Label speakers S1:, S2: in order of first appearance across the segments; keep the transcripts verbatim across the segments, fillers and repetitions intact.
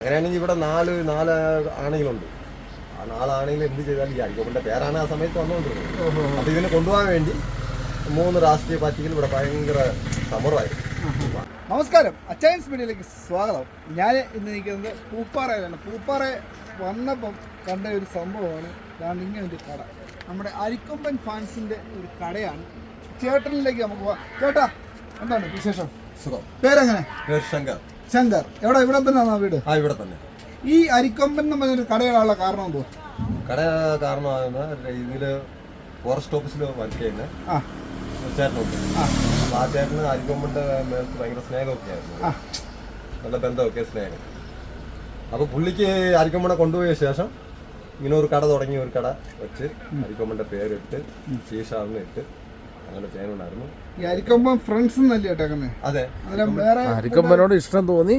S1: അങ്ങനെയാണെങ്കിൽ ഇവിടെ നാല് നാല് ആണുങ്ങളുണ്ട്. ആ നാലാണെങ്കിൽ എന്ത് ചെയ്താലും ഈ അരിക്കൊമ്പൻ്റെ പേരാണ് ആ സമയത്ത് വന്നുകൊണ്ടിരുന്നത്. അപ്പോൾ ഇതിനെ കൊണ്ടുപോകാൻ വേണ്ടി മൂന്ന് രാഷ്ട്രീയ പാർട്ടികൾ ഇവിടെ ഭയങ്കര സമരമായിരുന്നു.
S2: നമസ്കാരം, അച്ചയൻസ് മീഡിയയിലേക്ക് സ്വാഗതം. ഞാൻ ഇന്ന് നിൽക്കുന്നത് പൂപ്പാറയിലാണ്. പൂപ്പാറ വന്നപ്പം കണ്ട ഒരു സംഭവമാണ് ഇതാണ് ഇങ്ങനെ ഒരു കട. നമ്മുടെ അരിക്കൊമ്പൻ ഫാൻസിൻ്റെ ഒരു കടയാണ്. ചേട്ടനിലേക്ക് നമുക്ക് പോവാം. ചേട്ടാ, എന്താണ് വിശേഷം?
S1: സുഖം.
S2: പേരെങ്ങനെ?
S1: ശങ്കർ.
S2: ശങ്കർ. എവിടെ? ഇവിടെ തന്നെയാണോ വീട്?
S1: ആ, ഇവിടെ തന്നെ.
S2: ഈ അരിക്കൊമ്പൻ എന്ന് പറഞ്ഞൊരു കടയിലുള്ള കാരണം എന്തോ?
S1: കട കാരണമാകുന്ന ഇതിൽ ഫോറസ്റ്റ് ഓഫീസിൽ വർക്ക് ചെയ്യുന്ന ചേട്ടനുണ്ട്. അപ്പോൾ ആ ചേട്ടന് അരിക്കൊമ്പൻ്റെ മേലത്ത് ഭയങ്കര സ്നേഹമൊക്കെ ആയിരുന്നു, നല്ല ബന്ധമൊക്കെ സ്നേഹം. അപ്പോൾ പുള്ളിക്ക് അരിക്കൊമ്പനെ കൊണ്ടുപോയ ശേഷം ഇങ്ങനെ ഒരു കട തുടങ്ങി, ഒരു കട വെച്ച് അരിക്കൊമ്പൻ്റെ പേരിട്ട് ശീഷാന്ന് ഇട്ട് അങ്ങനെ ചെയ്യാനുണ്ടായിരുന്നു.
S2: ഈ അരിക്കൊമ്പൻ ഫ്രണ്ട്സ് എന്നല്ലേ കേട്ടേക്കുന്നത്?
S1: അതെ,
S2: വേറെ
S3: അരിക്കൊമ്പനോട് ഇഷ്ടം തോന്നി.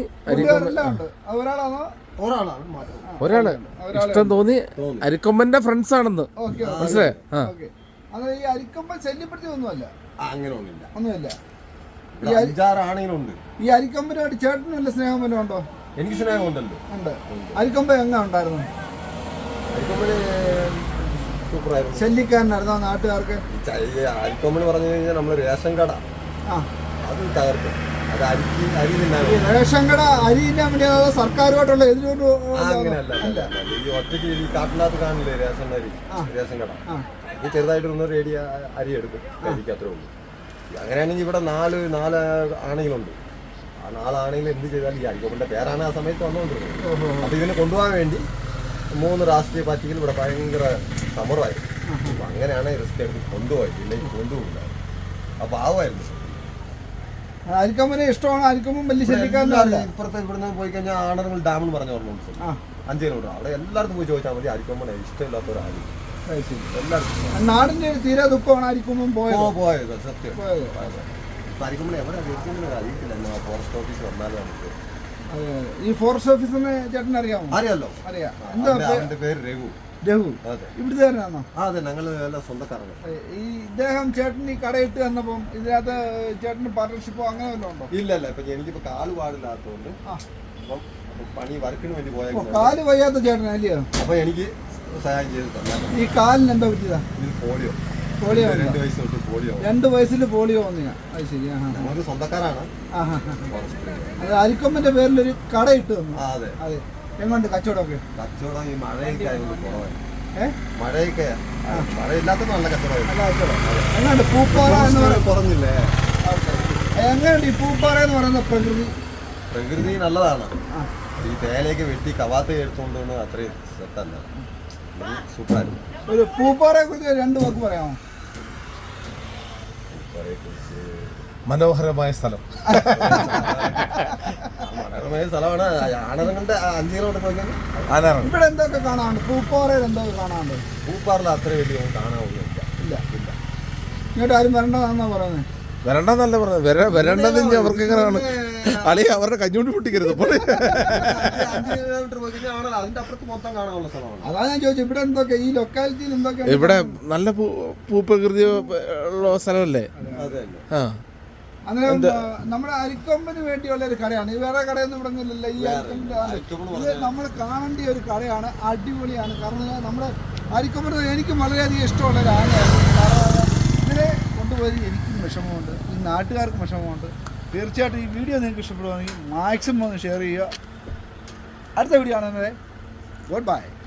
S2: ഒരാളാണോ?
S1: ഒരാളാണ്
S3: ഒരാള് ഇഷ്ടം തോന്നി അരിക്കൊമ്പന്റെ ഫ്രണ്ട്സ് ആണെന്ന് മനസ്സിലായി.
S2: അത് ഈ അരിക്കൊമ്പൻ ശല്യപ്പെടുത്തി ഒന്നുമല്ല,
S1: അങ്ങനെ ഒന്നുമില്ല,
S2: ഒന്നുമില്ല.
S1: ഈ അഞ്ചാറാണെങ്കിലുണ്ട്.
S2: ഈ അരിക്കൊമ്പനുമായിട്ട് ചേട്ടന് വല്ല സ്നേഹം വല്ലതും ഉണ്ടോ?
S1: എനിക്ക് സ്നേഹം ഉണ്ടല്ലോ.
S2: ഉണ്ട്. അരിക്കൊമ്പൻ എങ്ങനെ ഉണ്ടായിരുന്നു?
S1: അരിക്കൊമ്പന് സൂപ്പറായിരുന്നു.
S2: ശല്യക്കാരനായിരുന്നോ നാട്ടുകാർക്ക്?
S1: അരിക്കൊമ്പന് പറഞ്ഞു കഴിഞ്ഞാൽ നമ്മള് റേഷൻ കട അത് തകർക്കും. അത് അരിക്ക് അരി തിന്നാൻ
S2: റേഷൻ കട അരി തിന്നാൻ വേണ്ടി സർക്കാരുമായിട്ടുള്ള എതിരോട്ട്
S1: അങ്ങനെയല്ല. ഈ ഒറ്റയ്ക്ക് ഈ കാട്ടിനകത്ത് കാണില്ലേ റേഷൻ അരി, റേഷൻ കട ഇത് ചെറുതായിട്ടൊന്ന് റേഡി അരി എടുക്കും, അരിക്ക് അത്രേ ഉള്ളൂ. അങ്ങനെയാണെങ്കിൽ ഇവിടെ നാല് നാല് ആണുങ്ങളുണ്ട്. ആ നാലാണെങ്കിൽ എന്ത് ചെയ്താലും ഈ അരിക്കൊമ്പൻ്റെ പേരാണ് ആ സമയത്ത് വന്നുകൊണ്ടിരുന്നത്. അപ്പോൾ ഇതിനെ കൊണ്ടുപോകാൻ വേണ്ടി മൂന്ന് രാഷ്ട്രീയ പാർട്ടികൾ ഇവിടെ ഭയങ്കര സമരമായിരുന്നു. അപ്പോൾ അങ്ങനെയാണ് റിസ്ക് എടുത്ത് കൊണ്ടുപോയത്, ഇല്ലെങ്കിൽ കൊണ്ടുപോകില്ല. അപ്പോൾ ആവുമായിരുന്നു.
S2: അരിക്കൊമ്പനെ ഇഷ്ടമാണ്. അരിക്കൊമ്പൻ വലിയ ശല്യക്കാരനല്ല.
S1: ഇപ്പുറത്തെ ഇവിടുന്ന് പോയി കഴിഞ്ഞാൽ ആണങ്ങൾ ഡാം എന്ന് പറഞ്ഞ ഓർമ്മ അഞ്ച് കിലോമീറ്റർ അവിടെ എല്ലായിടത്തും പോയി ചോദിച്ചാൽ മതി. അരിക്കൊമ്പനെ ഇഷ്ടമില്ലാത്തവരാരും
S2: എല്ലാവർക്കും. നാടിന്റെ തീരെ ദുഃഖമാണ് അരിക്കൊമ്പൻ പോയത്
S1: പോയത് സത്യം. അരിക്കൊമ്പനെ എവിടെ അറിയിക്കില്ല. ഫോറസ്റ്റ് ഓഫീസ് വന്നാലും നമുക്ക്
S2: ഈ ഫോറസ്റ്റ് ഓഫീസിനെ ചേട്ടൻ അറിയാമോ?
S1: അറിയാലോ,
S2: അറിയാം.
S1: എന്താ പേര്? രഘു.
S2: രഘു ഇവിടുത്തെ തന്നെയാണോ?
S1: അതെ, ഞങ്ങൾ എല്ലാം സ്വന്തക്കാരാണ്.
S2: ഈ ഇദ്ദേഹം ചേട്ടൻ ഈ കടയിട്ട് വന്നപ്പം ഇതിനകത്ത് ചേട്ടന് പാർട്ണർഷിപ്പോ അങ്ങനെ വല്ലതും ഉണ്ടോ?
S1: ഇല്ല ഇല്ല. ഇപ്പൊ എനിക്കിപ്പോ കാല് പാടില്ലാത്തതുകൊണ്ട് അപ്പം പണി വർക്കിന് വേണ്ടി പോയാൽ
S2: കാല് വയ്യാത്ത ചേട്ടൻ അല്ലയോ?
S1: അപ്പൊ എനിക്ക് സഹായം ചെയ്ത് തന്നെ.
S2: ഈ കാലിന് എന്താ പറ്റിയതാ?
S1: ഇത് പോളിയോ.
S2: പോളിയോ
S1: രണ്ട് വയസ്സ് തൊട്ട് പോളിയോ.
S2: രണ്ട് വയസ്സിൽ പോളിയോ വന്നിയാ? അത് ശരി.
S1: നമുക്ക് സ്വന്തക്കാരാണ്.
S2: അത് അരിക്കൊമ്പന്റെ പേരിലൊരു കട ഇട്ട് തന്നു.
S1: അതെ
S2: അതെ. എങ്ങോട്ട് കച്ചവടമൊക്കെ?
S1: കച്ചവടം ഈ മഴയൊക്കെ ആയതുകൊണ്ട് കുറവായി. മഴയൊക്കെ മഴയില്ലാത്തപ്പോ നല്ല കച്ചവടം.
S2: എങ്ങനെയുണ്ട് പൂപ്പാറ എന്ന് പറയുന്നത്?
S1: കുറഞ്ഞില്ലേ?
S2: എങ്ങനെയുണ്ട് ഈ പൂപ്പാറ എന്ന് പറയുന്ന പ്രകൃതി?
S1: പ്രകൃതി നല്ലതാണ്. ഈ തേയിലയൊക്കെ വെട്ടി കവാത്ത എടുത്തുകൊണ്ട് അത്രയും സെറ്റല്ല, സൂപ്പറായിരുന്നു.
S2: ഒരു പൂപ്പാറയെ കുറിച്ച് രണ്ട് വാക്ക് പറയാമോ?
S3: മനോഹരമായ സ്ഥലം.
S1: മനോഹരമായ സ്ഥലമാണ്. ആണങ്ങളുടെ അഞ്ച് കിലോമീറ്റർ പോയി കഴിഞ്ഞാൽ
S2: ഇവിടെ എന്തൊക്കെ കാണാനുണ്ട്? പൂപ്പാറയിൽ എന്തൊക്കെ കാണാനുണ്ട്?
S1: പൂപ്പാറിൽ അത്ര വലിയ കാണാനൊന്നുമില്ല.
S2: ഇല്ല ഇല്ല. ഇങ്ങോട്ട് ആരും വരേണ്ടതാണെന്നാ പറയുന്നത്.
S3: വരണ്ടെന്നല്ല പറഞ്ഞത്. വര വരണ്ടെന്ന് അവർക്ക് എങ്ങനെയാണ് അളി അവരുടെ കഞ്ഞൂണ്ടി പൊട്ടിക്കരുത്.
S2: അതാ ഞാൻ ചോദിച്ചു, ഇവിടെ എന്തൊക്കെ ഈ ലൊക്കാലിറ്റിയിൽ എന്തൊക്കെ?
S3: ഇവിടെ നല്ല ഭൂപ്രകൃതി ഉള്ള സ്ഥലമല്ലേ. ആ,
S2: അന്നേരം നമ്മുടെ അരിക്കൊമ്പന് വേണ്ടിയുള്ള ഒരു കടയാണ്. ഈ വേറെ കടയൊന്നും ഇവിടെ ഒന്നുമില്ലല്ലോ. ഈ അരിക്കൊമ്പൻ ഇത് നമ്മൾ കാണേണ്ട ഒരു കടയാണ്. അടിപൊളിയാണ്. കാരണം നമ്മുടെ അരിക്കൊമ്പൻ എനിക്കും വളരെയധികം ഇഷ്ടമുള്ള ഒരു ആനയാണ്. കാരണം ഇതിനെ കൊണ്ടുപോയി എനിക്കും വിഷമമുണ്ട്, ഈ നാട്ടുകാർക്കും വിഷമമുണ്ട്. തീർച്ചയായിട്ടും ഈ വീഡിയോ നിങ്ങൾക്ക് ഇഷ്ടപ്പെടുകയാണെങ്കിൽ മാക്സിമം ഒന്ന് ഷെയർ ചെയ്യുക. അടുത്ത വീഡിയോ ആണെന്നത് ഗുഡ് ബൈ.